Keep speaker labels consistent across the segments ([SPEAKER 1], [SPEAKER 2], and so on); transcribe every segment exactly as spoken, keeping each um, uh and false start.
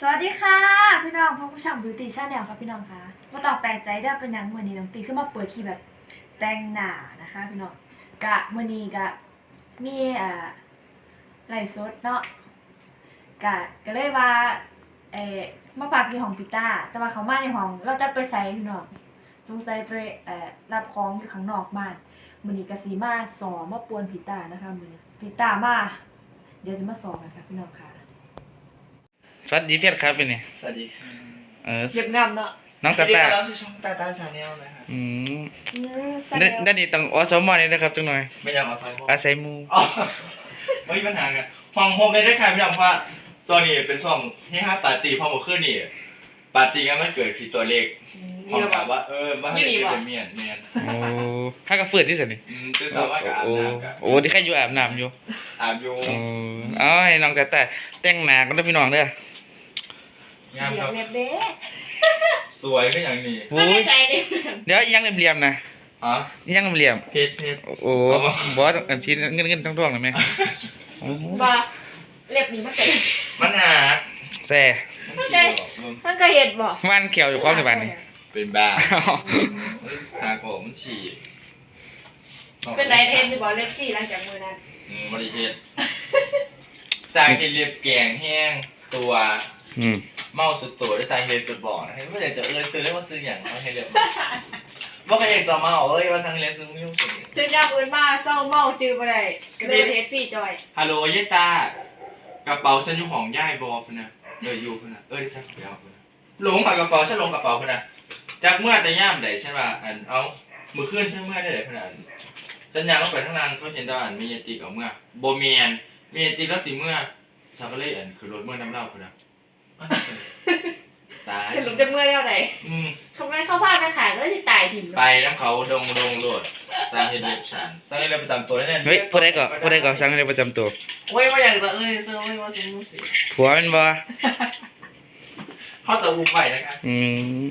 [SPEAKER 1] สวัสดีค่ะพี่น้องพวกผู้ชมบิวตี้ชาแนลครับพี่น้องค่ะมาต้องแปลกใจได้เป็นอย่างเมื่อนี้น้องตีขึ้นมาเปิดที่แบบแต่งหน้านะคะพี่น้องกะเมื่อนี้กะมีอ่าไลฟ์สดเนาะกะก็เลยว่าเออมาปากที่ห้องพิต้าแต่ว่าเขามาในห้องเราจะไปใส่พี่น้องสงสัยไปเอ่อรับของอยู่ข้างนอกบ้านมื่อนี้กะสีมาสอมาปวนพิต้านะคะมื่อนี้พิต้ามาเดี๋ยวจะมาสอนนะคะพี่น้องค่ะ
[SPEAKER 2] สวัสดีเพื่อนครับเป็นไง
[SPEAKER 3] สวัสดีค่ะ
[SPEAKER 2] เออ
[SPEAKER 1] เย็บงามเนาะ
[SPEAKER 2] น้องตาตา
[SPEAKER 3] เราชื่อช่องตาตาชาแนลนะครับ
[SPEAKER 2] อืม
[SPEAKER 1] อืม
[SPEAKER 2] ได้ได้นี่ต้องอสมอนี่นะครับจังหน่อย
[SPEAKER 3] ไม่อยากเอาไซโม
[SPEAKER 2] อาศัยมู
[SPEAKER 3] อ๋อไม่มีปัญหากันห้องโฮมได้ได้ค่ะพี่น้องว่าโซนนี้เป็นช่วงที่ห้าปาร์ตี้พอหมดขึ้นนี่ปาร์ตี้กันมันเกิดผิดตัวเลขห้องแบบว่าเออว่าให้เป็นเมียนเมียน
[SPEAKER 2] โอ้ให้กระเฟือดที่สุดนี่
[SPEAKER 3] อืมตื่นสายว่ากับอาบน้ำกัน
[SPEAKER 2] โอ้ที่แค่อยู่อาบน้ำอยู่
[SPEAKER 3] อาบอยู่
[SPEAKER 2] โอ้เอาให้น้องตาตาแต่งหน้ากันด้วยพี่น้องเด้
[SPEAKER 3] งามครับ
[SPEAKER 1] เล็บเด้
[SPEAKER 3] สวยก็อย่างนี้
[SPEAKER 2] โอ้ยเดี๋ยวยังเหลี่ยมๆนะ
[SPEAKER 3] ฮะ
[SPEAKER 2] ยังเหลี่ยม
[SPEAKER 3] เพชรเพชร
[SPEAKER 2] โอ้บอสอันชิ้นเงินเงินทั้งท่วงเลยไหม
[SPEAKER 1] บ้าเล็บนี้มันเป็น
[SPEAKER 3] มันหา
[SPEAKER 2] แซ่
[SPEAKER 1] มันก็เห็ดบ่
[SPEAKER 2] วันเขียวอยู่ความในบ้านนี่
[SPEAKER 3] เป็นบ้าหาผมมันฉี่
[SPEAKER 1] เป็นไรเทนที่บอกเล็บสี่หลังจากมือนั้น
[SPEAKER 3] อืมบริเทศจากที่เรียบแกงแห้งตัวเมาสุดตัวด้วยใจเฮสุดบ่อนะไม่อยากจะเอ่ยซื้อเรียกว่าซื้ออย่างเขาให้เรียบว่าใครอยากจะเมาเอ้ยว่าสังเรียนซื้อไม่ยุ่งสิ
[SPEAKER 1] ถึงยามอื่นมาเศร้าเมาจือไปเลยก็เลยเทสฟรีจอย
[SPEAKER 3] ฮัลโหลยายตากระเป๋าฉันอยู่ห้องย่ายบอพุ่นนะเอออยู่พุ่นนะเออที่ฉันขอไปเอาพุ่นนะหลงกับกระเป๋าฉันลงกระเป๋าพุ่นนะจากเมื่อแต่ย่ามไหนใช่ป่ะอันเอามือขึ้นใช่เมื่อได้ไหนพุ่นนะฉันยังต้องไปทั้งนั้นเขาเห็นตอนมีเยติกเอาเมื่อโบเมียนมีเยติกแล้วสิเมื่อชาวก็เลยอันคือรถเมื่อน้ำเล่าพุ่นนะตาย
[SPEAKER 1] จะหลุดจะเมื่อเท่าไหร่เขาไม่เข้าบ้านไปขายแล้วที่ตายถิ่น
[SPEAKER 3] ไปน้ำเขาดงดงโลดสร้างเฮดเดชันสร้างเฮดเดประจำตัวได้
[SPEAKER 2] เฮ้ยพูดได้ก่อนพูดได้ก่อนสร้างเฮดประจำตัว
[SPEAKER 3] โอ้ยว่าอย่างจะเอ้ยเซอร์ไม่ว่าสิมุสิ
[SPEAKER 2] ผัวเป็นบ่
[SPEAKER 3] เขาจะบุกไปนะครับ
[SPEAKER 2] อืม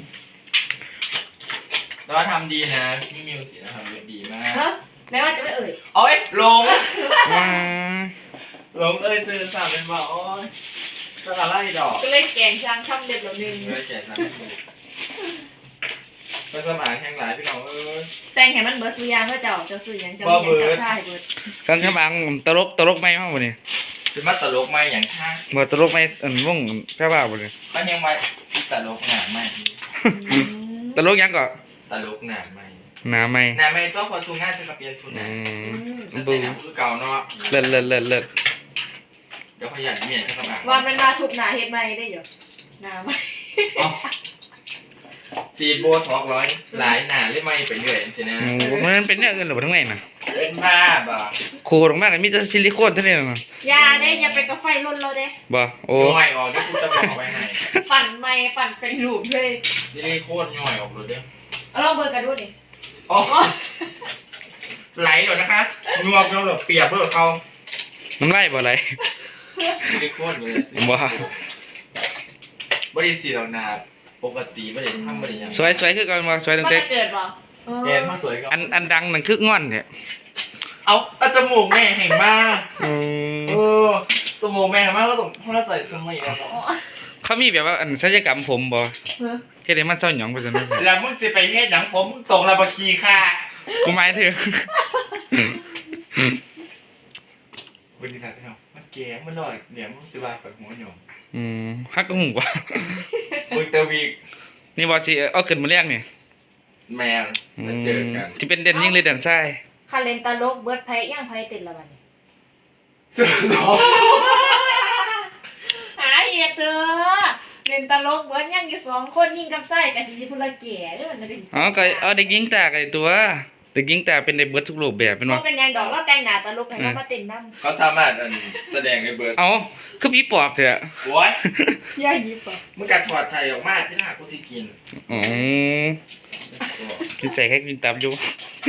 [SPEAKER 3] แต่ว่าทำดีนะพี่มิวสินะทำดีมาก
[SPEAKER 1] ฮะแม้ว่าจะไม่เอ่ย
[SPEAKER 3] โอ้ยลง
[SPEAKER 2] ว้า
[SPEAKER 3] ลงเอ้ยซื้อสามเป็นบ่โอ้ยสลัดไล่ดอก
[SPEAKER 1] ก็เลยแกงช้างช่ำเด็ดแบบนึง
[SPEAKER 3] เลยแกงช้างไปสมัครแข่งหลายพี่น้องเอ้ย
[SPEAKER 1] แต่งให้มันเบิร์ดสุยางก็เจ้าจะสื่อยังจะมีอย่างจะได้เบิร์ด
[SPEAKER 2] กันแค่บางตลกตลกไม่มากบ่นี่
[SPEAKER 3] เป็นมาตลกไม่อย่างข้าง
[SPEAKER 2] บ่ตลกไม่อันวงแค่บ้าบ่นี่
[SPEAKER 3] ก็ยังไว้ตลกหนาไม่
[SPEAKER 2] ตลกยังก็
[SPEAKER 3] ตลกหนาไม่
[SPEAKER 2] หนาไม่
[SPEAKER 3] หนาไม่ต้องพอสูงง่ายจะกับเปลี่ยนสูงนะบูคือเก่าเนาะ
[SPEAKER 2] เลิศเลิศเลิศเลิศ
[SPEAKER 3] เดี๋ยวขยันเมียนเข้ามา
[SPEAKER 1] ว่าเป็นมาถูกหนาเฮ็ดไม่ได้อยู่หนาไม่
[SPEAKER 3] ซีโบท็อกร้อยหลายหนาเล่ไม่ไปเรื่อยสินะ
[SPEAKER 2] มันเป็นเนี่ยเงินหรือทั้งไหนน่ะ
[SPEAKER 3] เป็นบ้าบ่
[SPEAKER 2] โคตรมากเลยมีแต่ซิลิโคนเท่านี้น่ะ
[SPEAKER 1] อย่าได้อย่าไปกาแฟล้นเราเด้
[SPEAKER 2] บ่โอ้
[SPEAKER 3] ย่อยออกเดี๋ยวกูจะบอกไว้ให้
[SPEAKER 1] ปั่นไม่ปั่นเป็นรูปเลย
[SPEAKER 3] ซิลิโคนย่อยออกเลยเด้อ
[SPEAKER 1] เอาลองเบอร์กันดูดิ
[SPEAKER 3] อ๋อไหลเลยนะคะนัวเปรี้ยวเปียกเพื่อเขา
[SPEAKER 2] น้ำไหลบ่ไหล
[SPEAKER 3] ซิลิโคนเลย
[SPEAKER 2] บ่
[SPEAKER 3] บริสีเรานาปกติไม่ได้ทำไม่ได้ยัง
[SPEAKER 2] สวยสวยคือกันมาสวยตั้งแต่
[SPEAKER 1] เกิดบ่
[SPEAKER 3] แกนมาสวยก็
[SPEAKER 2] อันอันดังนั่นคืองอนเนี่ย
[SPEAKER 3] เอาเอาจมูกแม่แห่งมากเออจมูกแม่แห่งมากก็ต้องพระใจสมัยแล้ว
[SPEAKER 2] เขามีแบบว่าอันศัลยกรรมผมบ่เฮ็ดให้มันเศร้าหยองไปซั่น
[SPEAKER 3] แล้วมึงสิไปเฮ็ดหยังผมตกระบคีค่ะ
[SPEAKER 2] กูหมายถึง
[SPEAKER 3] วันนี้นะพี่น้องมันแก่มันลอยเดี๋ยวมึงสิว่าไปหัวหยอง
[SPEAKER 2] อืมฮักก็หูว่ะ
[SPEAKER 3] มึงเตอร์วี
[SPEAKER 2] นี่บอสิเอาขึ้นมาเรียกนี่
[SPEAKER 3] แมนมาเจอกัน
[SPEAKER 2] ที่เป็นเด่นยิ่งเลยเด่นไส้
[SPEAKER 1] คาเลนตาลกเบิร์ดไพ่ย่างไพ่ติดละบัดนี้หาเหตุเถอะเลนตาลกเบิร์ดย่างอยู่สองคนยิ่งกับไส้กับสิที่พุ่นละแก่ด้วยมันจะ
[SPEAKER 2] อ๋อก็เอาเด็กยิงตาไอ้ตัวเด็กยิงตาเป็นในเบิร์ดทุกรูปแบบเป็นว่า
[SPEAKER 1] เป็นยังดอกแล้วแต่งหน้าตาลกให้เขามาติ่นน้
[SPEAKER 3] ำเขาสามารถแสดงในเบิร์ด
[SPEAKER 2] เอาคือผีปอบเถอะ
[SPEAKER 3] โว้ย
[SPEAKER 1] ย่ายิบอ่ะ
[SPEAKER 3] มึงกัดถอดใส่ออกมาที่หน้ากูจะกิน
[SPEAKER 2] อ๋อกินใส่แค่กินตับอยู่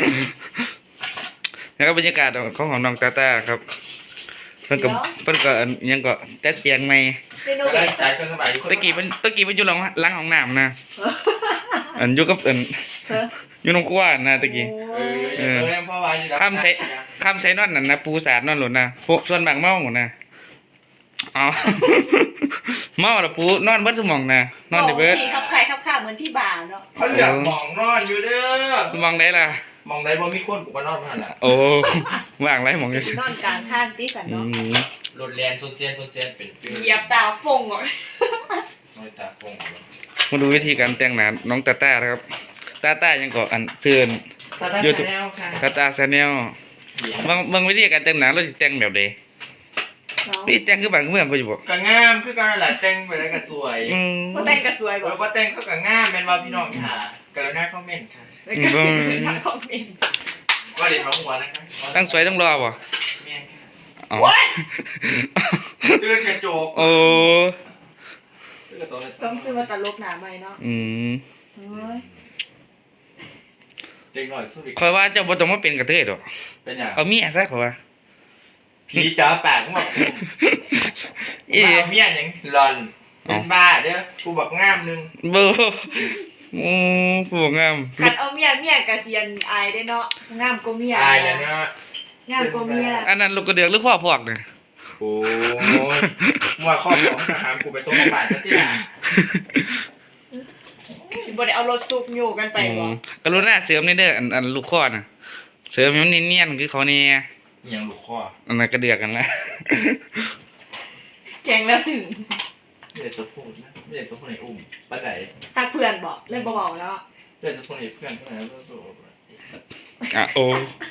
[SPEAKER 2] แล้วก็บรรยากาศของของน้องตาตาครับเพิ่นกับเพิ่นก็ยังก็แต๊ดเตียงใหม่ตะกี้เพิ่นตะกี้เพิ่นอยู่หลังหลังห้องน้ำนะอันอยู่กับอันอยู่น้องกว้านนะตะกี้
[SPEAKER 3] เออ
[SPEAKER 2] ข้ามใส่ข้ามใส่นอนนั่นนะปูสาดนอนหล่นนะพวกส่วนบางเมาหมดนะเอาเมาละปูนอนเบิดสมองนะนอนได้เบิด
[SPEAKER 1] สีขับไข่ขับข่าเหมือนพี่บ่าวเนาะ
[SPEAKER 3] เขาอยากมองนอนอยู่เด้อ
[SPEAKER 2] มองได้ล่ะ
[SPEAKER 3] มองได้บ่มีคนกูก็นอนผ่านละ
[SPEAKER 2] โอ้ว่างไรมองอยู่สิ
[SPEAKER 1] นอนกลางทางตีสัน
[SPEAKER 2] อื
[SPEAKER 1] เนาะ
[SPEAKER 2] ม
[SPEAKER 3] รถแลนโซเซียนโซเซียนเป็นฟิล
[SPEAKER 1] เหยียบตาฟงอ่ะ
[SPEAKER 3] น้อยตาฟง
[SPEAKER 2] มาดูวิธีการแต่งหน้าน้องตาต้านะครับตาต้ายังเกาะอันเสื่อน
[SPEAKER 3] ตาตา
[SPEAKER 2] YouTube
[SPEAKER 3] ชาแนลค่ะ
[SPEAKER 2] ตาต้าแชนแนลบางบางวิธีการแต่งหน้าเราสิแต่งแบบใดพี่แต่งคือบ้านคือเมืองก็อยู่บ่
[SPEAKER 3] ก็งามคือการหลายแต่งไปแล้วก็สวย
[SPEAKER 2] อืม
[SPEAKER 1] พอแต่งกระสวย
[SPEAKER 3] เอ
[SPEAKER 1] บ่
[SPEAKER 3] อว่าแต่งเขาก็งามแม่นว่าพี่น้องค่ะกรุณาคอมเมนต์ค่ะ
[SPEAKER 1] แล้วก็เป็นทางคอมเมนต์
[SPEAKER 3] ว่าเด็ดมาหัวนะคะ
[SPEAKER 2] ตั้งสวยต้องรอบ่
[SPEAKER 3] แม่นค่ะ
[SPEAKER 2] อ๋อ
[SPEAKER 3] ตื่นกระจก
[SPEAKER 2] โอ้
[SPEAKER 3] ตื่นกระจก
[SPEAKER 1] ซ้อมซื้อมาตลกหนาใหม่เนาะ
[SPEAKER 2] อืม
[SPEAKER 1] เฮ้ย
[SPEAKER 3] เด็กหน่อยสู้ดิ
[SPEAKER 2] คอยว่าเจ้าบ่ต้องมาเป็นกระเทยดอก
[SPEAKER 3] เป็นอย่าง
[SPEAKER 2] เอาเมียซะขอยว่า
[SPEAKER 3] ผีจ๋าปากมา
[SPEAKER 2] เอ๊ะ
[SPEAKER 3] มาเมียยังหลอนเป็นบ้าเด้อกูบอกงามนึง
[SPEAKER 2] เบ่อืมผู้งาม
[SPEAKER 1] คันเอาเมียเมียกะเซียนอายได้เนาะงามกว่าเมีย
[SPEAKER 3] อายแล้วเนาะ
[SPEAKER 1] งามกว่าเมีย
[SPEAKER 2] อันนั้นลูกกระเดือกหรือข้อพอกเนี่ย
[SPEAKER 3] โอ้ยว่าครอบของทหารกูไปส่งโรงพยาบาลซะที่ไหน
[SPEAKER 1] สิบ่ได้เอารถซุกอยู่กันไปบ่
[SPEAKER 2] กรุณาเสริมในเด้ออันอันลูกข้อน่ะเสริมให้มันเนียนๆคือเขาเนี่ย
[SPEAKER 3] เอียงลูกข้อ
[SPEAKER 2] อันนั้นกระเดือกกันละ
[SPEAKER 1] แกงแล้วถึง
[SPEAKER 3] ไม่ได้จะพูดนะไม่ได้จะพูดในอุ้มปันไหน
[SPEAKER 1] ทักเพื่อนบอกเล่นเบาๆแล้ว
[SPEAKER 3] ไม่ได้จะพูดในเพื่อนเพื่อนแล้วสู้
[SPEAKER 2] อ่ะโอ้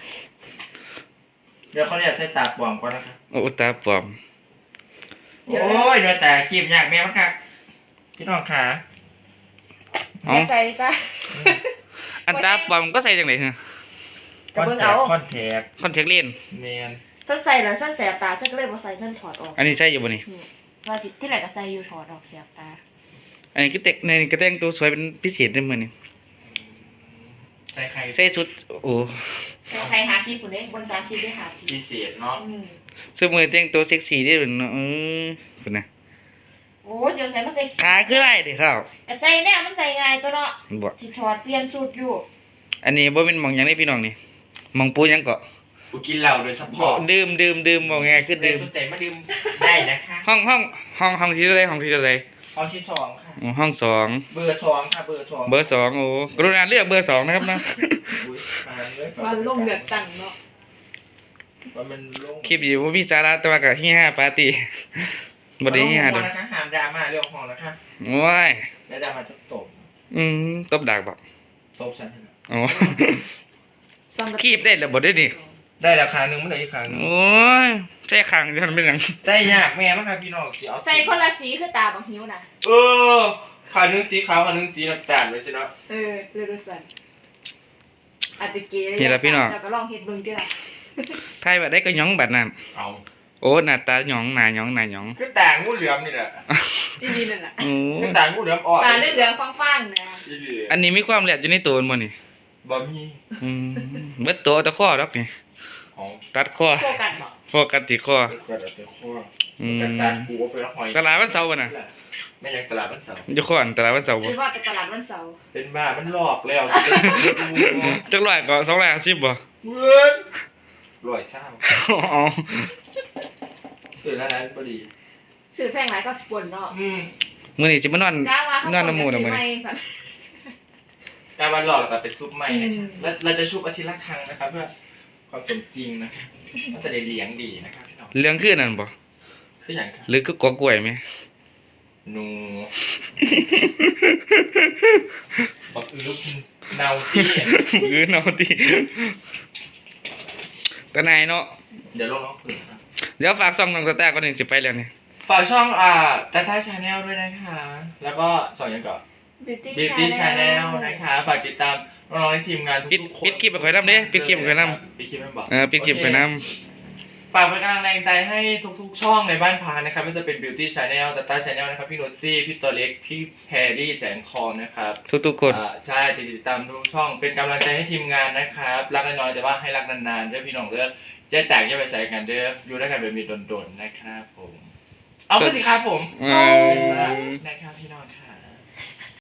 [SPEAKER 3] เดี๋ยวเขาเนี่ยใช้ตาปลอมก่อนนะครับ
[SPEAKER 2] โอ้ตาปลอม
[SPEAKER 3] โอ้ยเนื้อแต่คีบยากแม่มากครับพี่น้องขา
[SPEAKER 2] อ๋อ
[SPEAKER 1] ใส่ซะ
[SPEAKER 2] อันตาปลอมก็ใส่จังได๋ฮะ
[SPEAKER 1] กระเบื้องเอา
[SPEAKER 3] คอนแทค
[SPEAKER 2] คอนแทคเลนส์
[SPEAKER 3] แมน
[SPEAKER 1] ฉันใส่แล้วฉันแสบตาฉันก็เลยบ่ใส่ฉันถอดออก
[SPEAKER 2] อันนี้ใส่อยู่บ่นี่
[SPEAKER 1] ว่าสิที่ไหนก็ใส่อยู่ถอดออกแสบตา
[SPEAKER 2] อันนี้คือแต่งในกระแต่งตัวสวยเป็นพิเศษได้มื้อนี้
[SPEAKER 3] ใส่ใคร
[SPEAKER 2] ใส่ชุดโอ้
[SPEAKER 1] ใครหาซีฝุ่นได้บนสามซีได้หาซี
[SPEAKER 3] พิเศษเนาะ
[SPEAKER 1] อืม
[SPEAKER 2] เสื้อมือแต่งตัวเซ็กซี่ได้เนาะเออพุ่นน่ะ
[SPEAKER 1] โอ้เสียวใส่มาใส่
[SPEAKER 2] ขาคือไรเด้ครับ
[SPEAKER 1] ก็ใส่แน่มันใส่ง่ายตัวเนาะ
[SPEAKER 2] บ่
[SPEAKER 1] สิถอดเปลี่ยนสูตรอยู่
[SPEAKER 2] อันนี้บ่แม่นหม่องหยังนี่พี่น้องนี่หม่องปูหยังก็
[SPEAKER 3] กูกินเหล้าโดยเฉพาะ
[SPEAKER 2] ดื่มดื่มดื่มบ่ง่ายคือ
[SPEAKER 3] เดิ
[SPEAKER 2] ดื่
[SPEAKER 3] ม
[SPEAKER 2] ม
[SPEAKER 3] สนใจมาดื่มได้นะคะ
[SPEAKER 2] ห้องห้องห้องห้องที่เท่าไรห้องที่เท่าไร
[SPEAKER 3] ห้องที่สองค่ะ
[SPEAKER 2] อ๋อห้องสอง
[SPEAKER 3] เบอร์สองค่ะเบอร์สอง
[SPEAKER 2] เบอร์สองโอ้กรุณาเลือกเบอร์สองนะครับนะ
[SPEAKER 3] อุ๊ยมาเลย
[SPEAKER 1] มันลงเดือดตั้งเนาะ
[SPEAKER 3] ว่ามันลง
[SPEAKER 2] คลิปอยู่ว่าพี่สาระแต่ว่ากับที่ห้าปาร์ตี้บไดีที่ห้า
[SPEAKER 3] เด
[SPEAKER 2] เด้อ
[SPEAKER 3] นะคะห้ามดราม่าเรื่องของนะคะ
[SPEAKER 2] ว้าย
[SPEAKER 3] แล้วดราม่าจะตบ
[SPEAKER 2] อืมตบดักบ่
[SPEAKER 3] ตบฉันเถอะ
[SPEAKER 2] อ๋อคลิปได้แล้วบ่ได้ดิ
[SPEAKER 3] ได้ราคาหนึ่งไม่ได้อีกครั้งหนึ่ง
[SPEAKER 2] โอ้ยใช่ขังที่มันเป็นหยัง
[SPEAKER 3] ใส่ยากแม่มั้งครับพี่น้องสิเอา
[SPEAKER 1] ใส่คนละสีคือตาบักหิวนะ
[SPEAKER 3] เออขาหนึ่งสีขาวขาหนึ่งสีน้ำตาลเลยสิเนาะ
[SPEAKER 1] เออเลือดสั่นอาจจะเก๋
[SPEAKER 2] นี่ล่ะพี่น้อง
[SPEAKER 1] เจ้าก็ลองเฮ็ดเบิ่งติล่ะ
[SPEAKER 2] ไทยบัดได้ก็หยองบัดนั้น
[SPEAKER 3] เอา
[SPEAKER 2] โอ้หน้าตาหยองหน้าหยองหน้าหยอง
[SPEAKER 3] คือต่างงูเหลือมนี่แหละ
[SPEAKER 1] อีนี่นั่นน่ะ
[SPEAKER 2] โอ้
[SPEAKER 3] คือต่างงูเหลือมอ่อน
[SPEAKER 1] ตาเหลืองๆฟ้างๆนะ
[SPEAKER 3] อีเหลือ
[SPEAKER 2] อันนี้มีความแหลมอยู่ในตัวมันบ่นี่
[SPEAKER 3] บ่มี
[SPEAKER 2] อืมเบิดตัวตะข้อดอกนี่
[SPEAKER 3] ของ
[SPEAKER 2] ตัดข้อ
[SPEAKER 1] โฟกัสบ่
[SPEAKER 2] โฟกัสที่ข้อ
[SPEAKER 3] เกิดอะไรข้อ
[SPEAKER 2] อืม
[SPEAKER 3] กระตานกูไปหอย
[SPEAKER 2] ตลาดวันเสาร์บ่น่ะ
[SPEAKER 3] แม่ยังตลาดบ้านเสา
[SPEAKER 2] อยู่ข้อนตลาดวันเสาร์บ่
[SPEAKER 1] คิดว่าไปตลาดวันเสาร์
[SPEAKER 3] เป็นบ้ามันหลอกแล้ว
[SPEAKER 2] จักร้อยก็สองร้อยห้าสิบบ่
[SPEAKER 3] เว้ยรวยเช่า
[SPEAKER 2] อ๋อ
[SPEAKER 3] สื่อแล้วนั้นพอดี
[SPEAKER 1] ซื้อแพงหลายก็สิปนเนาะ
[SPEAKER 3] อืม
[SPEAKER 2] มื้อนี้สิมานอน
[SPEAKER 1] กล้าว่าเขา
[SPEAKER 2] นอนน้ำหมู
[SPEAKER 1] จะ
[SPEAKER 2] น่ะ
[SPEAKER 1] ซื้
[SPEAKER 2] มื้อ
[SPEAKER 1] อใหม่
[SPEAKER 2] นี้
[SPEAKER 1] สั่น
[SPEAKER 3] การวันหลอกเราเป็นซุปใหม่นะ
[SPEAKER 1] อื
[SPEAKER 3] คะ
[SPEAKER 1] ม
[SPEAKER 3] แล้วเราจะชุบอาทิตย์ละครั้งนะครับเพื่อความสมจริงนะครับมันจะได้เลี้ยงดีนะครับพี่น้อง
[SPEAKER 2] เรื่องคือนั่นบ่
[SPEAKER 3] คืออย่างครับ
[SPEAKER 2] หรือคือกอกล้วยไหม
[SPEAKER 3] หนูบอกอือลูกเนาที่
[SPEAKER 2] หรือเนาติตะนายเนาะ
[SPEAKER 3] เดี๋ยวลงน้องผืนนะ
[SPEAKER 2] เดี๋ยวฝากซ่องน้องตาตาก่อนนี่สิไปแล้วนี่
[SPEAKER 3] ฝากช่องอ่าตาตาชาแนลด้วยนะคะ แล้วก็สองอย่างก่อน
[SPEAKER 1] Beauty
[SPEAKER 3] Beauty
[SPEAKER 1] Channel
[SPEAKER 3] Channel นะคะฝากติดตามน้องๆในทีมงานทุ
[SPEAKER 2] ปิด
[SPEAKER 3] กๆคน
[SPEAKER 2] ปิดคลิปไปข่อยนำเด้ปิดคลิปไปข่อยนำ
[SPEAKER 3] ปิดคลิปไม่บอก
[SPEAKER 2] เออปิดคลิปไปนำ
[SPEAKER 3] ฝากเป็นกำลังแรงใจให้ทุกๆ ช่องในบ้านพานะครับไม่ว่าจะเป็น Beauty Channel Tata Channel นะครับพี่นุชซี่พี่ตัวเล็กพี่แพรรี่แสงทองนะครับ
[SPEAKER 2] ทุกๆคน
[SPEAKER 3] อ่าใช่ติดตามทุกช่องเป็นกำลังใจให้ทีมงานนะครับรักน้อยๆแต่ว่าให้รักนานๆเด้อพี่น้องเด้อแจ้จากแยกไปใส่กันเด้ออยู่ด้วยกันแบบมีดนๆนะครับผมเอาไปสิครับผม
[SPEAKER 2] เออ
[SPEAKER 3] นะครับพี่น้องครับ